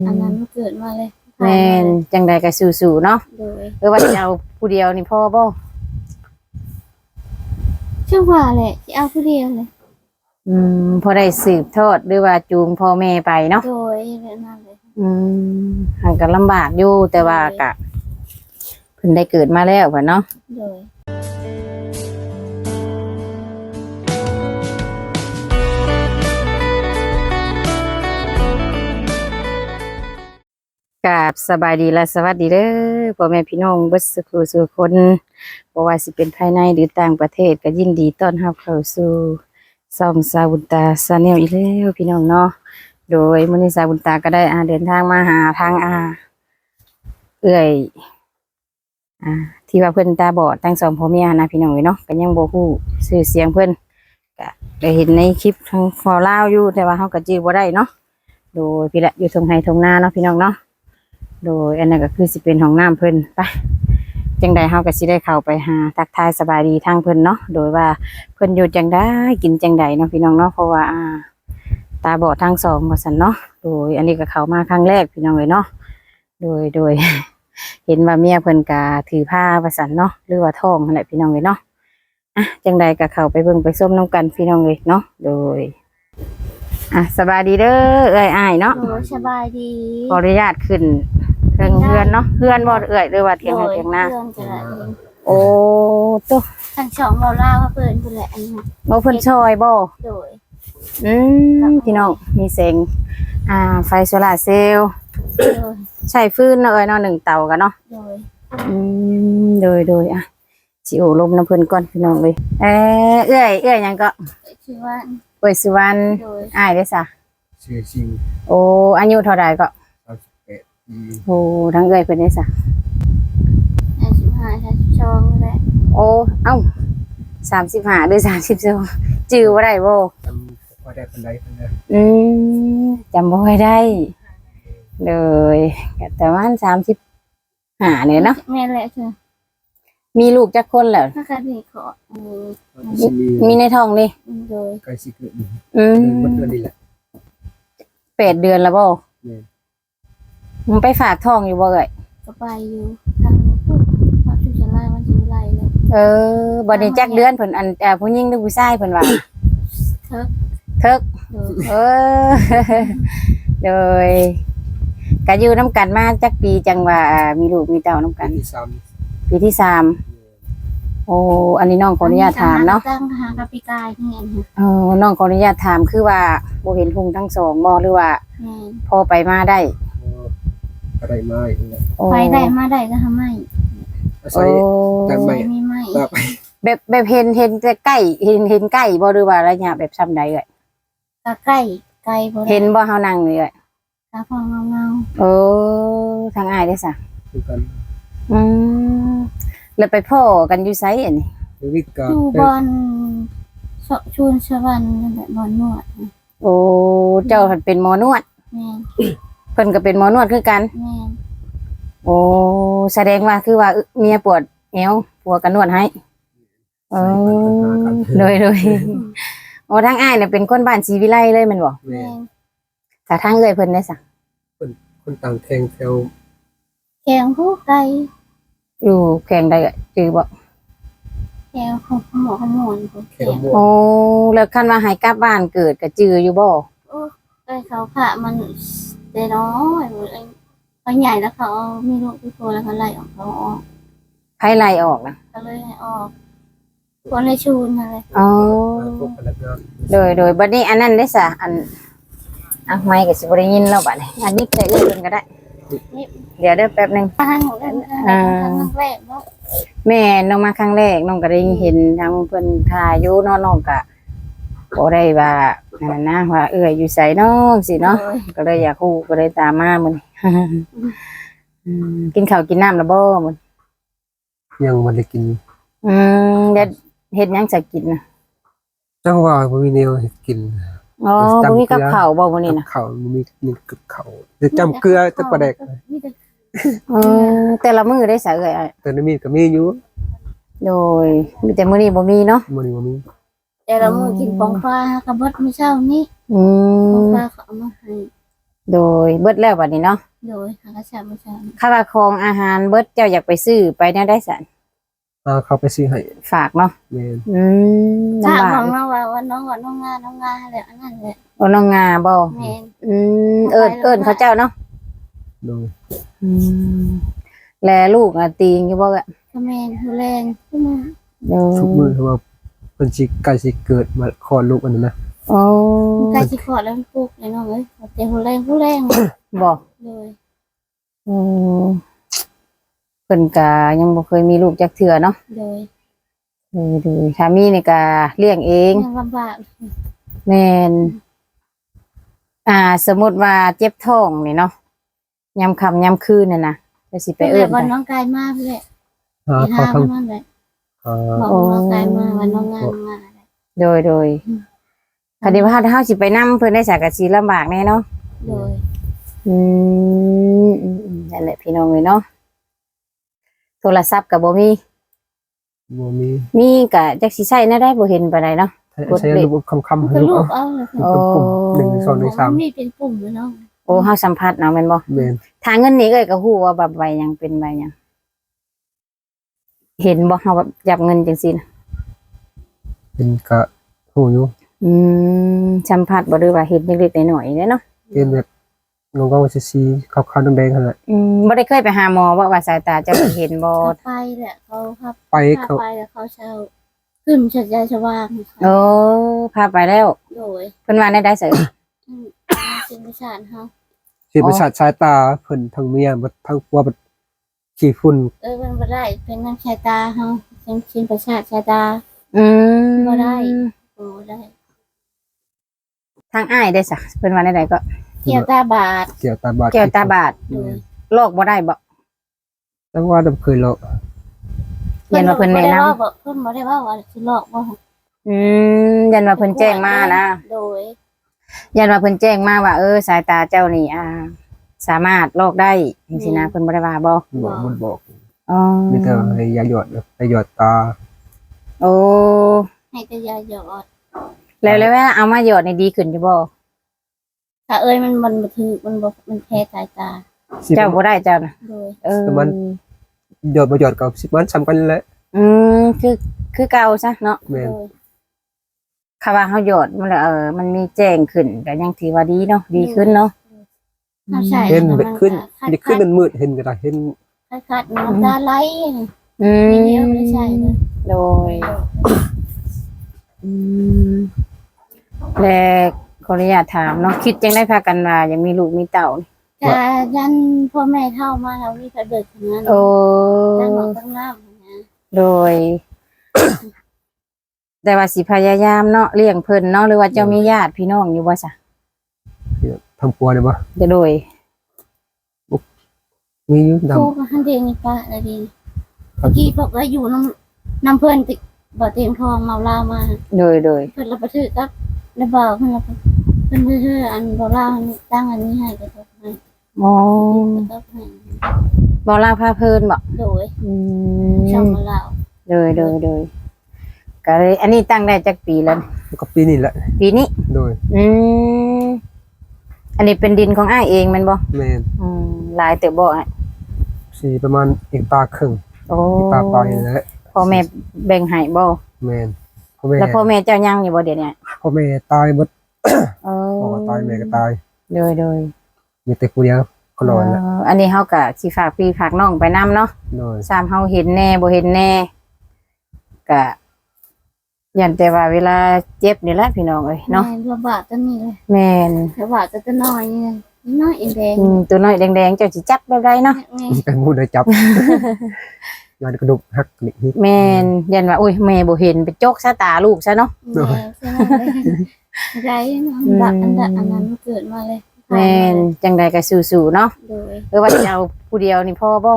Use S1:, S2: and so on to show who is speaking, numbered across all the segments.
S1: อันนั้นเกิดมาเลย
S2: แม่นจังใดก็สู้ๆเนาะ
S1: โดย
S2: ว่าสิเอาผู้เดียวนี่พ่อบ่
S1: ช่างว่าแหละสิเอาผู้เดียวเลย
S2: พอได้สืบทอดหรือว่าจูงพ่อแม่ไปเนาะ
S1: โดยแบบนั้นเลย
S2: หันก็ลำบากอยู่แต่ว่าก็เพิ่นได้เกิดมาแล้วเนาะ
S1: โดย
S2: กราบสบายดีและสวัสดีเด้อพ่อแม่พี่น้องเบิดสุขคนบ่ว่าสิเป็นภายในหรือต่างประเทศก็ยินดีต้อนรับเข้าสู่ช่องสาวบุญตาชาแนลอีกแล้วพี่น้องเนาะโดยมื้อนี้สาวบุญตาก็ได้เดินทางมาหาทางเอื้อยที่ว่าเพิ่นตาบอดทั้งสองพ่อเมียนะพี่น้องเนาะก็ยังบ่ฮู้ชื่อเสียงเพิ่นก็ได้เห็นในคลิปทางฟอลาวอยู่แต่ว่าเฮาก็จื้อบ่ได้เนาะโดยพี่ละอยู่ทงไห้ทงนาเนาะพี่น้องเนาะโดยอันนั้นก็คือสิเป็นห้องน้ำเพิ่นไปจังใดเฮาก็สิได้เข้าไปหาทักทายสบายดีทางเพิ่นเนาะโดยว่าเพิ่นอยู่จังได้กินจังใดเนาะพี่น้องเนาะเพราะว่าตาบอดทั้งสองว่าซั่นเนาะโดยอันนี้ก็เข้ามาครั้งแรกพี่น้องเลยเนาะโดย เห็นว่าเมียเพิ่นก็ถือผ้าว่าซั่นเนาะหรือว่าท้องนั่นแหละพี่น้องเลยเนาะจังใดก็เข้าไปเบิ่งไปส้มน้ำกันพี่น้องเลยเนาะโดยสบายดีเด้อเอ้ยอ้ายเนาะ
S1: สบายดี
S2: ขออนุญาตขึ้นเฮือนเนาะเฮือนบ่เอ้ยหรือว่าเถียงให้เถียงหน้าโอ้ตุ๊
S1: ทั้งสองเราล่าว่าเพิ่นแหละอันนี้
S2: บ่เพิ่นช่วยบ่
S1: โดย
S2: พี่น้องมีแสงไฟโซลาร์เซลล์ใช้ฟืนเนาะเอ้ยเนาะ1 เตากันเนาะโดยสิโอลมน้ำเพิ่นก่อนพี่น้องเลยเอ้ยหยังก็
S1: ชื่อว่า
S2: เอ้ยสุวรรณอ้ายเด้อซะ
S3: ชื่อจริง
S2: โอ้อายุเท่าใดก็
S3: 31ปี
S2: โอ้ทั้งเอ้ยเพิ่นเด้อซะ
S1: 35 32แหละ
S2: โอ้เอ้า35หรือ32จื้อบ่ได้บ่
S3: จำบ่ได้ปานใดเพิ่นเด้อ
S2: จำบ่ค่อยได้เลยแต่ว่า35เนี่ยเนาะ
S1: แม่นแหละคือ
S2: มีลูกจักคนแล้ว
S1: ถ้าคันนี้ขอ
S2: มีในท้องนี่
S1: โดย
S3: ใกล้สิเกิดมันเดือนนี้แหละ
S2: 8 เดือนแล้วบ่มันไปฝากท้องอยู่บ่เอ่ย
S1: ก็ไปอยู่ทางพชุชลามันสิไล่เลย
S2: บ่ได้จักเดือนเพิ่นผู้หญิงหรือผู้ชายเพิ่นว่าเถิกโดยก็อยู่นำกันมาจักปีจังว่ามีลูกมีเต้านำกันปีที่ 3โอ้อันนี้น้องขออนุญาตถามเนาะ
S1: ตั้งหากับปีกายนี่
S2: น้องขออนุญาตถามคือว่าบ่เห็นพุงทั้งสองบ่หรือว่าพอไปมาได้
S3: ก็ได้มาอีกแล้ว
S1: ไปได้มาได้ก็ทำไม
S3: ใส่แต่ไม่
S1: มีไม้
S2: แบบเห็นแต่ใกล้เห็นใกล้บ่หรือว่าระยะแบบซ้ำใดเอ่ย
S1: ก็ใกล้บ่
S2: เห็นบ่เฮานั่งนี่เอ่ย
S1: ตาพองเงา
S2: ทางอ้ายได้ซะ
S3: คือกัน
S2: แล้วไปพ่อกันอยู่ไสอันนี้
S1: อยู่บอนชูนสวรรค์นั่นแหละบอนนวด
S2: โอ้เจ้าเป็นหมอนวด
S1: แม่น
S2: เพิ่นก็เป็นหมอนวดคือกัน
S1: แม่น
S2: โอ้แสดงว่าคือว่าเมียปวดเอวผัวก็นวดให้โดยโอ้ทางอ้ายเนี่ยเป็นคนบ้านศรีวิไลเลยแม่นบ่
S1: แม่น
S2: ถ้าทางเอ้ยเพิ่นได้ซะ
S3: คนต่างแข่งแถว
S1: แข่งผู้ไกล
S2: อยู่แข่งใดจือบ่
S1: แข่งของหมอ
S3: แข่ง
S2: โอ้แล้วคันว่าให้กลับบ้านเกิดก็จืออยู่บ่
S1: เขาค่ะมันได้น้อยเขาใหญ่แล้วเขามีลูกทุกคนแล้วเขาไล่ออกเขาออก
S2: ไผไล่ออกนะ
S1: ก็เลยให้ออกคนเลยชูนอะไร
S2: โดยบัดนี้อันนั้นได้ซะอันไมค์ก็สิบ่ได้ยินแล้วบัดนี้อันนี้แต่อื่นก็ได้เดี๋ยวแป๊บนึง
S1: ทางแรกเนาะ
S2: แม่น้องมาครั้งแรกน้องก็ได้เห็นทางเพิ่นถ่ายอยู่น้องก็บ่ได้ว่านั่นนะว่าเอ้ยอยู่ไสน้องสิเนาะก็เลยอยากฮู้ก็เลยตามมามื้อนี้กินข้าวกินน้ำแล้วบ่มื้อ
S3: ยังบ่ได้กิน
S2: เด็ดเฮ็ดหยังจะกินน่ะ
S3: จังว่าบ่มีแนวเฮ็ดกิน
S2: บ่มีกับข้าวบ่มื้อนี้น่ะ
S3: ข้าวมีกับข้าวจะจำเกลือแต่ปลาแดก
S2: แต่ละมื้อได้ซะเอ้ย
S3: แต่มีก็มีอยู่
S2: โดยมีแต่มื้อนี้บ่มีเนาะ
S3: มื้อนี้บ่มี
S1: แต่ละมื้อกินปองฟ้ากับเบิดมื้อเช้านี้ปองฟ้าเขาเอามาให้
S2: โดยเบิดแล้วบัดนี้เนาะ
S1: โดยหากระชาประชา
S2: ค่าว่าของอาหารเบิดเจ้าอยากไปซื้อไปแนวได้สัน
S3: เขาไปซื้อให้
S2: ฝากเนาะ
S3: แม่น
S1: ถ้า
S2: ลำบา
S1: บ
S2: ก
S1: อกน้องว่าน้องน้องงาแหละอันนั้นแหละ
S2: โอ้น้องงาบ่
S1: แม่น
S2: เอิ้นเขาเจ้าเนาะ
S3: โดย
S2: แลลูกอ่ะตีงอยู่บ่อะ
S1: ก็แม่นผู้แรงขึ้นมา
S3: ทุกมื้อเพราะว่าเพิ่นสิใกล้สิเกิดมาคลอดลูกอันนั้นนะ
S2: โอ้
S1: ใกล้สิขอดแล้วมันปลูกเลยน้องเอ้ยแต่ผู้แรง
S2: บ่
S1: เลย
S2: อืมเพิ่นก็ยังบ่เคยมีลูกจักเทื่อเนาะ
S1: เลย
S2: ดูถ้ามีนี่ก็เลี้ยงเอง
S1: ยังลำบาก
S2: แม่นสมมุติว่าเจ็บท้องนี่เนาะยามค่ำยามคืนน่ะนะจะสิไป
S1: ไป
S2: เอิ้น
S1: วัน
S2: ไป
S1: น้องกายมาพี่แหละ
S3: เขา
S1: ห้า
S3: ทั้ง
S1: มันเลย
S3: อ่า
S1: บอกน้องกายมาวันน้องงานมา
S2: โดยคันนี้ว่าเฮาสิไปนำเพิ่นได้สักก็สิลำบากแน่เนาะ
S1: เลย
S2: นั่นแหละพี่น้องเอ้ยเนาะโทรศัพท์ก็บ่มี
S3: บ่มี
S2: มีก็จักสิใช้แนวใดบ่เห็นปานใดเนาะ
S3: ใช้ระบบคำๆให้
S1: ก็
S3: ลู
S1: ลู
S3: ก
S1: ก
S3: เอา
S1: เอาเลย
S3: เป็นปุ่ม1 2 1
S1: มีเป็นปุ่มเลยน้อง
S2: โอ้เฮาสัมภาษณ์เนาะแม่นบ่
S3: 3แม่น
S2: ทางเงินนี่เอ้ยก็ฮู้ว่าแบบใบหยังเป็นใบหยังเห็นบ่เฮาแบบจับเงินจังซี่น่ะ
S3: เป็นกะฮู้อยู่
S2: สัมผัสบ่หรือว่าเห็นเล็กๆน้อยๆเด้เนาะ
S3: เป็นแบบงงๆสีขาวๆแดงๆหั่นแหละ
S2: บ่ได้เคยไปหาหมอว่าสายตาเจะเห็นบ่
S1: เขาไปแหละเขาครับ
S3: ไป
S1: พา
S3: เขา
S1: ไปแล้วเขาเช่าขึ้นชัดใจสว่าง
S2: โอ้พาไปแล้ว
S1: โดย
S2: เพิ่นว่าได้เสย
S1: เป็นประชาชนเขา
S3: สิประสาทสายตาเพิ่นทั้งเมียบ่ทั้งผัวบ่ขี้ฝุ่น
S1: มันบ่ได้เป็นน้ำชายตาเขาเป็นชิ้นประชาชายตา บ่ได้ โอ้ได้
S2: ทางอ้ายได้ซะเพิ่นว่าได้ก็
S1: เกี่ยวตาบาด
S3: เกี่ยวตาบาด
S2: แก้วตาบาด
S1: โดย
S2: โรคบ่ได้บ่
S3: แต่ว่าดำเคยหรอก
S2: เห็นว่าเพิ่นแนะนำ
S1: เพิ่นบ่ได้ว่าว่าสิหลอกบ่
S2: ยันว่าเพิ่นแจ้งมานะ
S1: โดย
S2: ยันว่าเพิ่นแจ้งมาว่าสายตาเจ้านี่สามารถลอกได้จังซี่นะเพิ่นบ่ได้ว่าบ่
S3: บอก
S2: อ๋อ
S3: มีแต่ให้ยาหยอดไปหยอดตา
S2: โอ้
S1: ให้แต่ยาหยอด
S2: แล้วเวลาเอามาหยอดนี่ดีขึ้นอยู่บ่
S1: ถ้ามันบ่ถือมันแพ้สายตา
S2: เจ้าบ่ได้เจ้าน่ะ
S1: โดย
S3: หยอดบ่หยอดกับ10มันซ้ำกันแหละ
S2: คือเก่าซะเนาะ
S3: แม่น
S1: โดย
S2: คำว่าเฮาหยอดมันแล้วมันมีแจ้งขึ้นก็ยังถือว่าดีเนาะดีขึ้นเนาะ
S1: ถ้าใช่
S3: เห็นแบบขึ้นมันขึ้นมันมืดเห็นก็ได้เห็น
S1: คัดน้ำตาไหล
S2: อื
S1: ทีเดียวไม่ใช่เลย
S2: โดยและขออนุญาตถามเนาะคิดจังได้พากันว่ายังมีลูกมีเต่านี่
S1: แต่ยันพ่อแม่เท่ามาแล้วมีกระเบิดขนาด
S2: โอ้
S1: ตั้งหลังตั้งหน้านะ
S2: โดย แต่ว่าสิพยายามเนาะเลี้ยงเพิ่นเนาะหรือว่าเจ้ามีญาติพี่น้องอยู่บ่ซะ
S3: ทำปัวได้บ่
S2: จะโดย
S3: มีอยู่ดำ
S1: ครูก็หันเดงนี่ป้าอะไรดีเมื่อกี้บอกว่าอยู่น้ำเพื่อนติบ่เตียงทองเมาเหล้ามา
S2: โดย
S1: เพิ่นรับประทึกครับแล้วบอกเพิ่นรับเพิ่นเชื่ออันบ่เหล้าตั้งอันนี้ให้ก็ต้องให้
S2: อ๋อ
S1: ก็ต้องให้
S2: บ่ลาพาเพิ่นบ่
S1: โดย
S2: อื
S1: ช่อง
S2: ม
S1: มาเหล้า
S2: โดยก็เลยอันนี้ตั้งได้จักปีแล้ว
S3: ก็ปีนี้แหละ
S2: ปีนี้
S3: โดย
S2: อันนี้เป็นดินของอ้ายเองแมันบ่
S3: แม่น
S2: หลายเติบบ่อ้าย
S3: สิประมาณอีกตาครึ่ง
S2: โอ้
S3: อีกตาปลายนั่นแหละ
S2: พ่อแม่แบ่งให้บ่
S3: แม่นพ่อแม่
S2: แล้วพ่อแม่เจ้ายังอยู่บ่เดี๋ยวนี้
S3: พ่อแม่ตายหมด
S2: เออ
S3: พ่อก็ตายแม่ก็ตาย
S2: โดย
S3: มีแต่ผู้เดียวก็รอดแหละ
S2: อันนี้เฮาก็สิฝากพี่ฝากน้องไปนํเนาะ
S3: โดย
S2: ซ้ำเฮาเห็นแน่บ่เห็นแน่ก็ยันแต่ว่าเวลาเจ็บนี่แหละพี่น้องเอ้ยเนาะ
S1: แม่ลำบากตัวนี้เลย
S2: แม่น
S1: ลำบากตัวน้อยนี่น้อยเองแดง
S2: ตัวน้อยแดงๆเจ้าสิจับแบบใดเนาะ
S3: เป็นผู้ได้จับยานกระดูกหักนี่
S2: แม่นยันว่าอุ้ยแม่บ่เห็นไปจกซะตาลูกซะเนาะ
S1: แม่ใช่ไหมไรดักอันนั้นเกิดมาเลย
S2: แม่นจังใดก็สู้ๆเนาะ
S1: โดย
S2: หรือว่าจะเอาผู้เดียวนี่พ่อบ่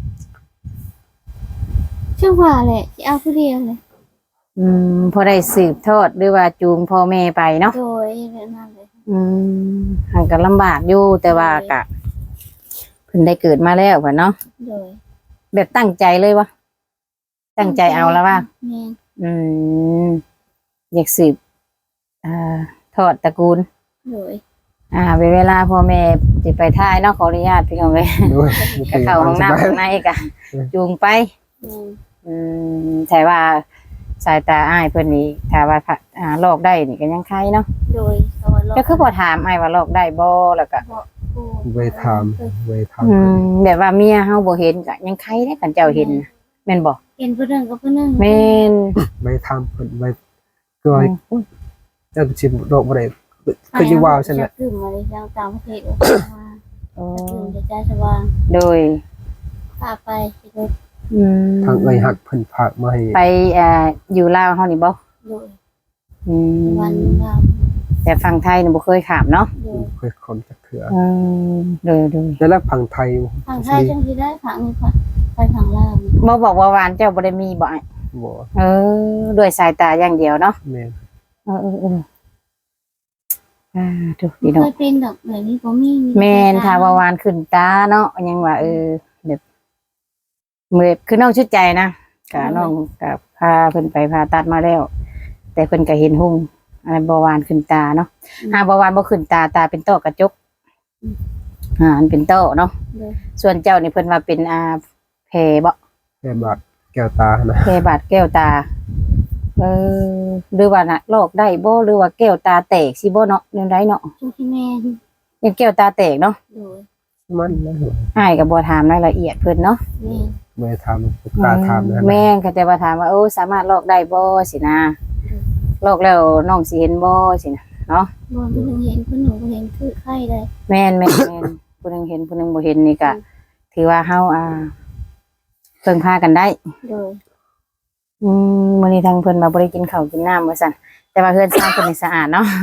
S1: ช่างว่าแหละที่เอาผู้เดียวเลย
S2: พอได้สืบทอดหรือว่าจูงพ่อแม่ไปเนาะ
S1: โดยแบบนั้นเลย
S2: หันก็ลำบากอยู่แต่ว่ากะเพิ่นได้เกิดมาแล้วพ่นเนาะ
S1: โดย
S2: แบบตั้งใจเลยวะตั้งใจเอาแล้วว่า
S1: แม่
S2: อยากสืบทอดตระกูล
S1: โดย
S2: เวลาพ่อแม่สิไปท่ายเนาะขออนุญาตพี่น้องเอ้ย
S3: ด้วย
S2: ก็เข้าห้องน้ำข้างในก็จูงไป
S1: อืม
S2: แต่ว่าสายตาอ้ายเพิ่นนี่ถ้าว่าลอกได้นี่ก็ยังไข่เนาะ
S1: โดยเขาว่า
S2: ก็คือบ่ถามอ้ายว่าลอกได้บ่แล้วก็
S3: ไว้ทำไว้ทำ
S2: แบบว่าเมียเฮาบ่เห็นก็ยังไข่ได้กันเจ้าเห็นน่ะแม่นบ่
S1: เห็นผู้หนึ่งกับผู้หนึ่ง
S2: แม่น
S3: ไว้ทำเพิ่นไว้ก็เจ้าชิมโรคบ่ได้คือสิว่าซั่นแหละ
S1: กึ่มมาเลยทางต่างประเทศว่า
S2: โอ้
S1: กึ่มจะใจสว่าง
S2: โดย
S1: พาไปสิโดย
S3: ทางเอ้ยฮักเพิ่นฝากมาให้
S2: ไปอยู่ลาวเฮานี่บ่
S1: โดย
S2: อืม
S1: วันเรา
S2: แต่ฝั่งไทยนี่บ่เคยข้ามเนาะ
S1: โดย
S3: เคยคนจักเถื่อ
S2: โดย
S3: แล้วฝั่งไทย
S1: ฝั่งไทยจังสิได้ฝั่งนี้ค่ะไปฝั่งลาว
S2: บ่บอกว่าหวานเจ้าบ่ได้มีบ่อ้าย
S3: บ่
S2: ด้วยสายตาอย่างเดียวเนาะ
S3: แม่น
S2: ถูกพี่น้อง
S1: เคยเป็นดอกแบบนี้บ่มี
S2: แม่นถ้าว่าวานขึ้นตาเนาะยังว่าแบบเมื่อคือน้องชุดใจนะกะน้องกับพาเพิ่นไปผ่าตัดมาแล้ว แต่เพิ่นก็เห็นหุ่งอะไรเบาหวานขึ้นตาเนาะเบาหวานบ่ขึ้นตาเป็นต้อกระจกอันเป็นต้อเนาะส่วนเจ้านี่เพิ่นว่าเป็นแผลบ่
S3: แม่บาดแก้วตานะ
S2: แผลบาดแก้วตาหรือว่าน่ะลอกได้บ่หรือว่าแก้วตาแตกสิบ่เนาะเรื่องใดเนาะ
S1: จุที่แม่น
S2: ยังแก้วตาแตกเนาะ
S1: โดย
S3: มันนะ
S2: อ้ายก็บ่ถามรายละเอียดเพิ่นเนาะ
S1: แม่น
S3: ไม่ทำกล้าทำนะ
S2: แม่นก็แต่ว่าถามว่าสามารถลอกได้บ่สินะลอกแล้วน้องสิเห็นบ่สินะเนาะ
S1: บ่ผู้หนึ่งเห็นผู้หนึ่งบ่เห็นคือไข้เลย
S2: แม่นผู้หนึงเห็นผู้หนึงบ่เห็นนี่ก็ถือว่าเฮาเพิ่งพากันได้
S1: โดย
S2: มื้อนี้ทางเพิ่นมาบ่ได้กินข้าวกินน้ำว่าซั่นแต่ว่าเฮือนซ่านเพิ่นนี่สะอาดเนาะ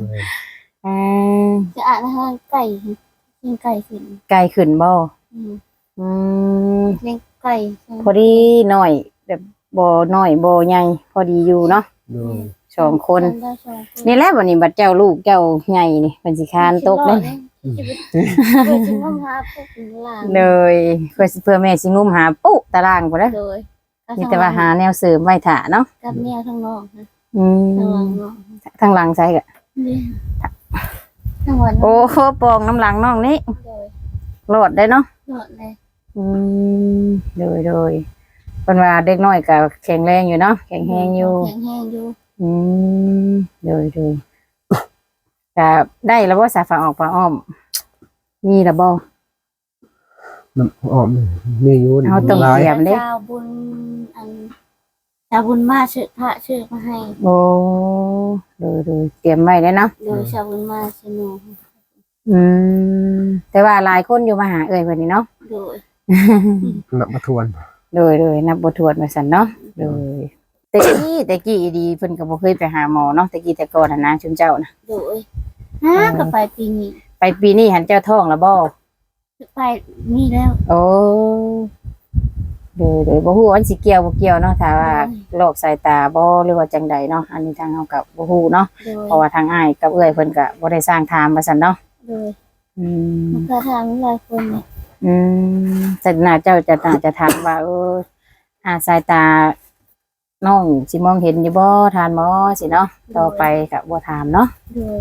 S1: จะอ่านนะคะไก่กินไก่ขึ้น
S2: ไกลขึ้นบ่
S1: อืม
S2: อืม
S1: เลี้ยงไก่
S2: พอดีน้อยแบบบ่น้อยบ่ใหญ่พอดีอยู่เนาะ
S3: โดย
S2: สองคน
S1: ได้สองคน
S2: นี่แหละวันนี้บัดเจ้าลูกเจ้าใหญ่นี่เพิ่นสิคานตกเด้
S1: เพื่อจะงมหาพวกหลาน
S2: เลยเพื่อแม่สิงุมหาปุ๊ตารางพุ่นเด้อ
S1: โดย
S2: มีแต่ว่าหาแนวเสริมไว้ท่าเนาะ
S1: กับแนวทางนอกนะ
S2: อื
S1: ทางหลั
S2: ม
S1: งนอก
S2: ทางหลังใส่ก็
S1: นี่ทางวัน
S2: โอ้โหปองน้ำหลังน้องนี่
S1: โดย
S2: โลดได้เนาะ
S1: หนวดเลย
S2: อืมโดยเพิ่นว่าเด็กน้อยก็แข็งแรงอยู่เนาะแข็งแรงอยู่
S1: แข็งแรงอยู่
S2: อืมโดยก็ได้แล้วบ่สาฝาออกฝาอ้อมมีแล้วบ่
S3: น้ำออมมีอยู่
S2: เอาตรง
S3: หลาย
S2: เสียมเด้
S1: ชาวบุญอันชาวบุญมาชื่อพระชื่อมาให้
S2: โอ้โดยเตรียมไว้แล้วเนาะ
S1: โดยชาวบุญมาชื่อหนู
S2: อืมแต่ว่าหลายคนอยู่มาหาเอ่ยเพิ่นนี่เนาะ
S1: โดย
S3: นับมาทวน
S2: โดยนับบททวดมาสั่นเนาะโดยแต่กี้ดีเพิ่นก็บ่เคยไปหาหมอเนาะแต่กี้แต่ก่อนน่ะนะชุมเจ้านะ
S1: โดยฮะก็ไปปีนี้
S2: ไปปีนี้หันเจ้าท้องแล้วบ่
S1: ไปนี่แล้ว
S2: โอ้โดยบ่ฮู้ว่ามันสิเกี่ยวบ่เกี่ยวเนาะถ้าว่าโรคสายตาบ่หรือว่าจังใดเนาะอันนี้ทางเฮาก็บ่ฮู้เนาะ
S1: โดย
S2: เพราะว่าทางอ้ายกับเอื้อยเพิ่นก็บ่ได้สร้างถามว่าซั่นเนาะ
S1: โดย
S2: อืม
S1: มันก็ทางหลายคนเนี่ย
S2: แต่น่าเจ้าจะถามว่าสายตาน้องสิมองเห็นอยู่บ่ทานหมอสิเนาะต่อไปก็บ่ถามเนาะ
S1: โดย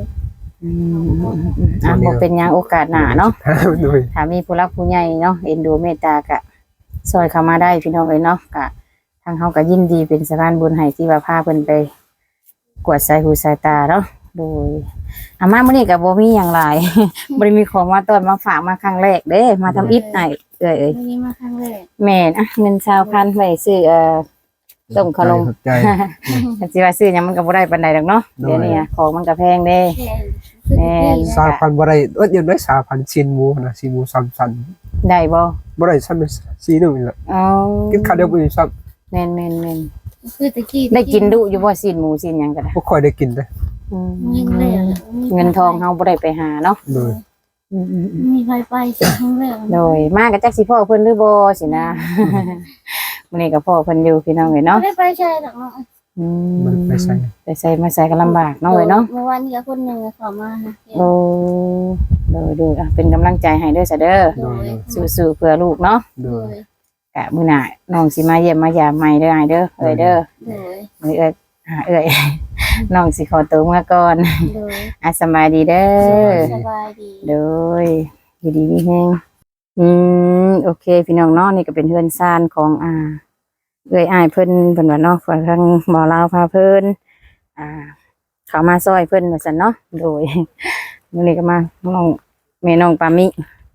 S2: บ่เป็นหยังโอกาสหน้าเนาะ
S3: โดย
S2: ถ้ามีผู้รักผู้ใหญ่เนาะเอ็นดูเมตตาก็ซอยเข้ามาได้พี่น้องเอ้ยเนาะก็ทางเฮาก็ยินดีเป็นสะพานบุญให้ที่ว่าพาเพิ่นไปกวดสายหูสายตาเนาะโดยอามามื้อนี้ก็บ่มีหยังหลาย บ่ได้มีของมาต้อนมาฝากมาครั้งแรกเด้มาทำอิฐให้เอ้ย
S1: วันนี้มาครั้งแรก
S2: แม่นเงิน20,000ไว้ซื้อต้มขนม
S3: ใจ
S2: แต่สิว่าซื้อหยังมันก็บ่ได้ปานใดดอกเนาะเดี๋ยวนี้ของมันก็แพงเด้
S1: แค่คือที่
S3: สามพันบ่ได้เดี๋ยวได้3,000ชิ้นหมูนะชิ้นหมู3ชั้น
S2: ได้บ่
S3: บ่ได้ซ้ำสีนึงนี่แหละ
S2: อ๋อ
S3: กินข้าวเดียวบ่อยู่ซ้
S2: แม่น
S1: คือตะกี้
S2: ได้กินดุอยู่บ่สิ้นหมูสิ้นหยังก็ได้
S3: ำบ่ค่อยได้กินเด้
S1: เงินเลย
S2: เงินทองเฮาบ่ได้ไปหาเนาะ
S3: โดย
S1: มีไฟไปครั้งแรก
S2: โดยมาก็จักสิพ่อเพิ่นหรือบ่สินะ มื้อนี้ก็พ่อเพิ่นอยู่พี่น้องเอ้ยเนาะ
S1: ไม่ได้ไปใช่หรอก
S3: มันไปใส่
S2: ไปใส่มาใส่ก็ลำบากเนาะเอ้ยเนาะ
S1: เมื่อวานนี้คนหนึ่งเขามา
S2: โอ้โดยเป็นกำลังใจให้เด้อซะเด้อ
S1: โดย
S2: สู้ๆเพื่อลูกเนาะ
S3: โด
S1: โด
S3: ย
S1: ย
S2: กะมื้อหน้าน้องสิมาเยี่ยมมายามใหม่เด้ออ้ายเด้อเอ้ยเด้อ
S1: โดย
S2: มื้อเอ้ยหาเอ้ยน้องสิขอตัวมาก่อน
S1: โดย
S2: สำบายดีเด้อ
S1: สบายดี
S2: โดยอยู่ดีมีแฮงโอเค พี่น้องเนาะนี่ก็เป็นเฮือนซ่านของเอ้ยอ้ายเพิ่นว่าเนาะว่าทางหมอลาวพาเพิ่นเขามาซอยเพิ่นว่าซั่นเนาะโดย มื้อนี้ก็มาน้องแม่น้องปามิ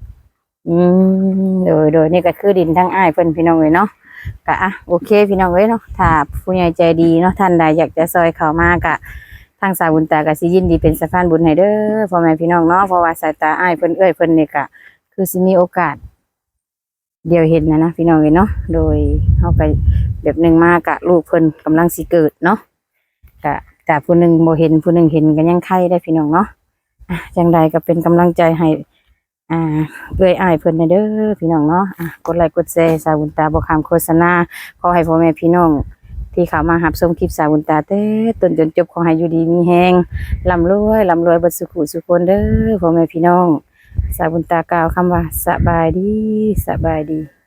S2: โดยนี่ก็คือดินทั้งอ้ายเพิ่นพี่น้องเอ้ยเนาะก็โอเค พี่น้องเอ้ยเนาะถ้าผู้ใหญ่ใจดีเนาะท่านใดอยากจะซอยเขามาก็ทางสายบุญตาก็สิยินดีเป็นสะพานบุญให้เด้อพ่อแม่พี่น้องเนาะเพราะว่าสายตาอ้ายเพิ่นเอ้ยเพิ่นนี่ก็คือสิมีโอกาสเดียวเห็นนะพี่น้องเอ้ยเนาะโดยเฮาก็แบบหนึงมากะลูกเพิ่นกำลังสิเกิดเนาะก็แต่ผู้หนึงบ่เห็นผู้หนึงเห็นก็ยังไข่ได้พี่น้องเนาะจังใดก็เป็นกำลังใจให้เอ้ยอ้ายเพิ่นเด้อพี่น้องเนาะกดไลค์กดแชร์สายบุญตาบ่ข้ามโฆษณาขอให้พ่อแม่พี่น้องที่เข้ามารับชมคลิปสายบุญตาเต้ต้นจนจบขอให้อยู่ดีมีแฮงร่ำรวยเบิดสุขสุขคนเด้อพ่อแม่พี่น้องสายบุญตากล่าวคำว่าสบายดี